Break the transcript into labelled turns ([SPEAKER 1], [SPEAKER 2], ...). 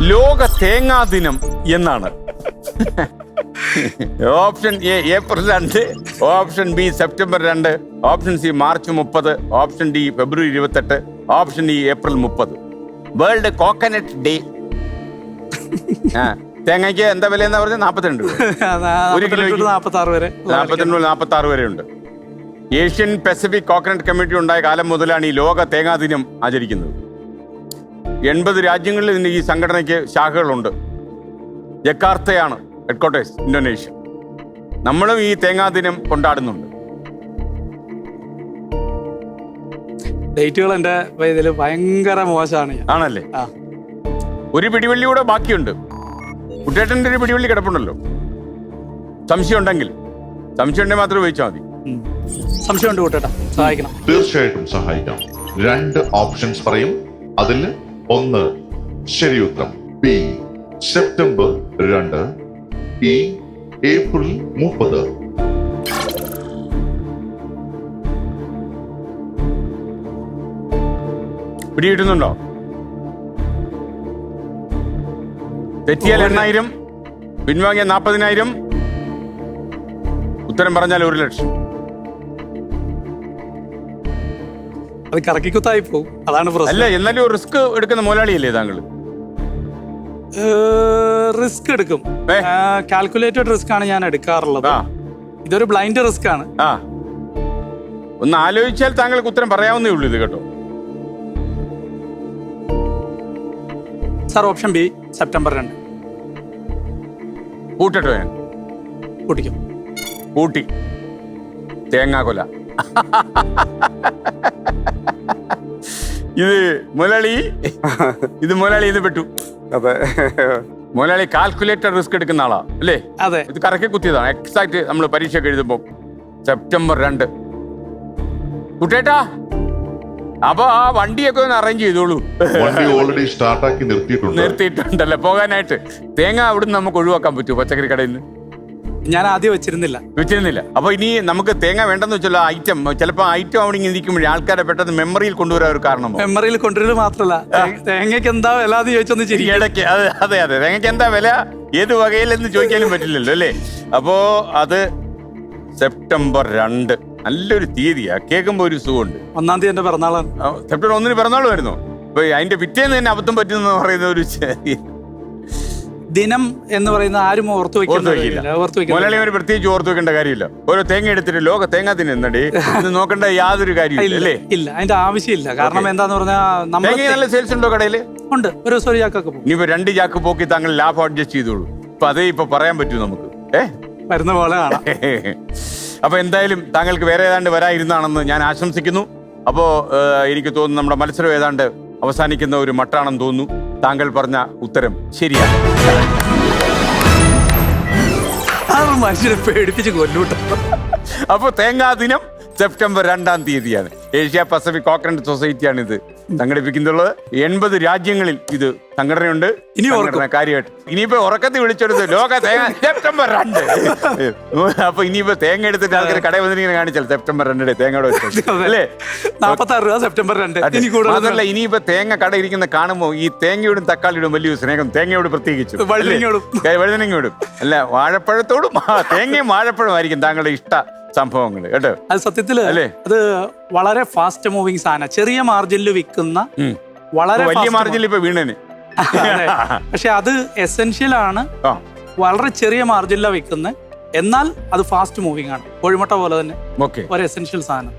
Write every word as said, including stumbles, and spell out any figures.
[SPEAKER 1] ലോക തേങ്ങാ ദിനം എന്നാണ്. ഓപ്ഷൻ എ ഏപ്രിൽ രണ്ട്, ഓപ്ഷൻ ബി സെപ്റ്റംബർ രണ്ട്, ഓപ്ഷൻ സി മാർച്ച് മുപ്പത്, ഓപ്ഷൻ ഡി ഫെബ്രുവരി ഇരുപത്തെട്ട്, ഓപ്ഷൻ ഇ ഏപ്രിൽ മുപ്പത്. World coconut day. തേങ്ങയ്ക്ക് എന്താ വില എന്നാ പറഞ്ഞത്? നാപ്പത്തിരണ്ട് ഒരു കിലോയ്ക്ക്
[SPEAKER 2] നാപ്പത്തി ആറ് വരെ
[SPEAKER 1] നാപ്പത്തിരണ്ട് നാപ്പത്തി ആറ് വരെ ഉണ്ട്. ഏഷ്യൻ പസഫിക് കോക്കനട്ട് കമ്മിറ്റി ഉണ്ടായ കാലം മുതലാണ് ഈ ലോക തേങ്ങാ ദിനം ആചരിക്കുന്നത്. എൺപത് രാജ്യങ്ങളിൽ ഇതിന് ഈ സംഘടനയ്ക്ക് ശാഖകളുണ്ട്. ജക്കാർത്തയാണ് ഹെഡ്ക്വാർട്ടേഴ്സ്, ഇന്തോനേഷ്യ. നമ്മളും ഈ തേങ്ങാ ദിനം കൊണ്ടാടുന്നുണ്ട്.
[SPEAKER 2] ഡേറ്റുകൾ എന്റെ ഇതിൽ ഭയങ്കര മോശമാണ്.
[SPEAKER 1] ആണല്ലേ? ഒരു പിടിവള്ളിയൂടെ ബാക്കിയുണ്ട്. കുട്ടേട്ടൻ്റെ ഒരു പിടിവള്ളി കിടപ്പുണ്ടല്ലോ. സംശയം ഉണ്ടെങ്കിൽ സംശയം ഉണ്ടെങ്കിൽ മാത്രം ഉപയോഗിച്ചാൽ മതി.
[SPEAKER 2] സംശയം ഉണ്ട് കൂട്ടേട്ടാ, സഹായിക്കണം.
[SPEAKER 3] തീർച്ചയായിട്ടും സഹായിക്കാം. രണ്ട് ഓപ്ഷൻസ് പറയും. അതിൽ ഒന്ന് ശരി ഉത്തരം ബി സെപ്റ്റംബർ രണ്ട്, ഇ ഏപ്രിൽ മുപ്പത്.
[SPEAKER 1] പിടികിട്ടുന്നുണ്ടോ? തെറ്റിയാൽ എണ്ണായിരം, പിൻവാങ്ങിയ നാൽപ്പതിനായിരം, ഉത്തരം പറഞ്ഞാൽ ഒരു ലക്ഷം.
[SPEAKER 2] അത് കറക്കിക്കുത്തായി പോകും, അതാണ് പ്രശ്നം.
[SPEAKER 1] അല്ല, എന്നാലും റിസ്ക് എടുക്കുന്ന മുതലാളിയല്ലേ താങ്കൾ?
[SPEAKER 2] റിസ്ക് എടുക്കും. കാൽക്കുലേറ്റഡ് റിസ്ക് ആണ് ഞാൻ എടുക്കാറുള്ളത്. ഇതൊരു ബ്ലൈൻഡ് റിസ്ക് ആണ്.
[SPEAKER 1] ആ, ഒന്ന് ആലോചിച്ചാൽ താങ്കൾക്ക് ഉത്തരം പറയാവുന്നേ ഉള്ളൂ ഇത്, കേട്ടോ.
[SPEAKER 2] സാർ, ഓപ്ഷൻ ബി സെപ്റ്റംബർ രണ്ട്.
[SPEAKER 1] കൂട്ടട്ടോ? ഞാൻ
[SPEAKER 2] കൂട്ടിക്കും.
[SPEAKER 1] കൂട്ടി. തേങ്ങാ കൊല. ഇത് മുതലാളി ഇത് മുതലാളി ഇത് പെട്ടു.
[SPEAKER 4] അതെ,
[SPEAKER 1] മുതലാളി കാൽക്കുലേറ്റർ റിസ്ക് എടുക്കുന്ന ആളാ അല്ലേ?
[SPEAKER 2] അതെ.
[SPEAKER 1] ഇത് കറക്കി കുത്തിയതാണ്. എക്സാക്ട് നമ്മൾ പരീക്ഷയൊക്കെ എഴുതുമ്പോ സെപ്റ്റംബർ രണ്ട്. കുട്ടേട്ടാ, അപ്പൊ ആ വണ്ടിയൊക്കെ ഒന്ന് അറേഞ്ച് ചെയ്തോളൂ.
[SPEAKER 3] വണ്ടി ഓൾറെഡി സ്റ്റാർട്ടാക്കി നിർത്തിയിട്ടുണ്ട്.
[SPEAKER 1] നിർത്തിയിട്ടുണ്ടല്ലോ പോകാനായിട്ട്. തേങ്ങ അവിടുന്ന് നമുക്ക് ഒഴിവാക്കാൻ പറ്റുമോ പച്ചക്കറി കടയിൽ നിന്ന്?
[SPEAKER 2] ഞാൻ ആദ്യം വെച്ചിരുന്നില്ല
[SPEAKER 1] വെച്ചിരുന്നില്ല അപ്പൊ ഇനി നമുക്ക് തേങ്ങ വേണ്ടെന്ന് വെച്ചാൽ ഐറ്റം ചിലപ്പോ ഐറ്റം അവിടെ ഇങ്ങനെ ഇരിക്കുമ്പോഴേ ആൾക്കാരെ പെട്ടെന്ന് മെമ്മറിയിൽ കൊണ്ടുവരാൻ ഒരു കാരണമോ?
[SPEAKER 2] മെമ്മറിയിൽ കൊണ്ടുവരുന്നത് മാത്രല്ല, തേങ്ങയ്ക്ക് എന്താ വില എന്ന് ചോദിച്ചൊന്ന് ശരി
[SPEAKER 1] ഇടയ്ക്ക്. അതെ അതെ അതെ തേങ്ങയ്ക്ക് എന്താ വില, ഏത് വകയിലെന്ന് ചോദിക്കാനും പറ്റില്ലല്ലോ അല്ലേ? അപ്പോ അത് സെപ്റ്റംബർ രണ്ട്. നല്ലൊരു തീയതിയാ, കേൾക്കുമ്പോ ഒരു സുഖമുണ്ട്.
[SPEAKER 2] ഒന്നാം തീയതി എന്റെ പിറന്നാളാണ്.
[SPEAKER 1] സെപ്റ്റംബർ ഒന്നിന് പിറന്നാൾ വരുന്നു. അപ്പൊ അതിന്റെ പിറ്റേന്ന് തന്നെ അബദ്ധം പറ്റുന്ന പറയുന്ന ഒരു
[SPEAKER 2] ദിനം എന്ന് പറയുന്നത് ആരും ഓർത്തു വെക്കില്ല.
[SPEAKER 1] മുതലാളി ഒരു പ്രത്യേകിച്ച് ഓർത്തു വെക്കേണ്ട കാര്യമില്ല. ഓരോ തേങ്ങ എടുത്തിട്ട് ലോക തേങ്ങാ ദിനം എന്നടി ഇത് നോക്കേണ്ട യാതൊരു കാര്യമില്ല അല്ലേ?
[SPEAKER 2] ഇല്ല, അതിന്റെ ആവശ്യമില്ല. കാരണം എന്താന്ന് പറഞ്ഞാൽ
[SPEAKER 1] തേങ്ങ നല്ല സെയിൽസ് ഉണ്ടോ കടയില്?
[SPEAKER 2] ഉണ്ട്. ഒരു ദിവസം ഒരു ചാക്കൊക്കെ പോകും.
[SPEAKER 1] ഇനിയിപ്പോ രണ്ട് ചാക്ക് പോക്കി താങ്കൾ ലാഭം അഡ്ജസ്റ്റ് ചെയ്തോളൂ. ഇപ്പൊ അതേ ഇപ്പൊ പറയാൻ പറ്റൂ നമുക്ക്. ഏഹ്
[SPEAKER 2] വരുന്ന പോലെ കാണാം.
[SPEAKER 1] അപ്പൊ എന്തായാലും താങ്കൾക്ക് വേറെ ഏതാണ്ട് വരാതിരുന്നാണെന്ന് ഞാൻ ആശംസിക്കുന്നു. അപ്പോ എനിക്ക് തോന്നുന്നു നമ്മുടെ മത്സരം ഏതാണ്ട് അവസാനിക്കുന്ന ഒരു മട്ടാണെന്ന് തോന്നുന്നു. താങ്കൾ പറഞ്ഞ ഉത്തരം ശരിയാണ്.
[SPEAKER 2] മനുഷ്യനെ പേടിപ്പിച്ച് കൊല്ലൂട്ടോ.
[SPEAKER 1] അപ്പൊ തേങ്ങാ ദിനം സെപ്റ്റംബർ രണ്ടാം തീയതിയാണ്. ഏഷ്യ പസഫിക് കോക്കനട്ട് സൊസൈറ്റിയാണ് ഇത് സംഘടിപ്പിക്കുന്നുള്ളത്. എൺപത് രാജ്യങ്ങളിൽ ഇത് സംഘടനയുണ്ട്.
[SPEAKER 2] ഇനി
[SPEAKER 1] കാര്യമായിട്ട് ഇനിയിപ്പോ ഉറക്കത്തിൽ വിളിച്ചെടുത്ത് ലോക തേങ്ങ സെപ്റ്റംബർ രണ്ട്. അപ്പൊ ഇനിയിപ്പോ തേങ്ങ എടുത്തിട്ട് ആൾക്കാർ കടയിൽ വന്നിങ്ങനെ കാണിച്ചാൽ സെപ്റ്റംബർ രണ്ടിടെ തേങ്ങയുടെ അല്ലേ?
[SPEAKER 2] നാപ്പത്തി ആറ് രൂപ സെപ്റ്റംബർ രണ്ട്.
[SPEAKER 1] അതല്ല, ഇനിയിപ്പോ തേങ്ങ കട ഇരിക്കുന്ന കാണുമ്പോ ഈ തേങ്ങയോടും തക്കാളിയോടും വലിയൊരു സ്നേഹം. തേങ്ങയോട് പ്രത്യേകിച്ചു വഴുതനങ്ങയോടും അല്ല, വാഴപ്പഴത്തോടും. തേങ്ങയും വാഴപ്പഴമായിരിക്കും താങ്കളുടെ ഇഷ്ട സംഭവങ്ങൾ കേട്ടോ.
[SPEAKER 2] അത് സത്യത്തില് അത് വളരെ ഫാസ്റ്റ് മൂവിങ് സാധനം. ചെറിയ മാർജിനിൽ വിൽക്കുന്ന വളരെ
[SPEAKER 1] വലിയ മാർജിനിൽ ഇപ്പൊ വീണന്.
[SPEAKER 2] പക്ഷെ അത് എസെൻഷ്യൽ ആണ്. വളരെ ചെറിയ മാർജിനിലാണ് വിൽക്കുന്നത്, എന്നാൽ അത് ഫാസ്റ്റ് മൂവിങ് ആണ്. കോഴിമുട്ട പോലെ തന്നെ ഒരു എസെൻഷ്യൽ സാധനം.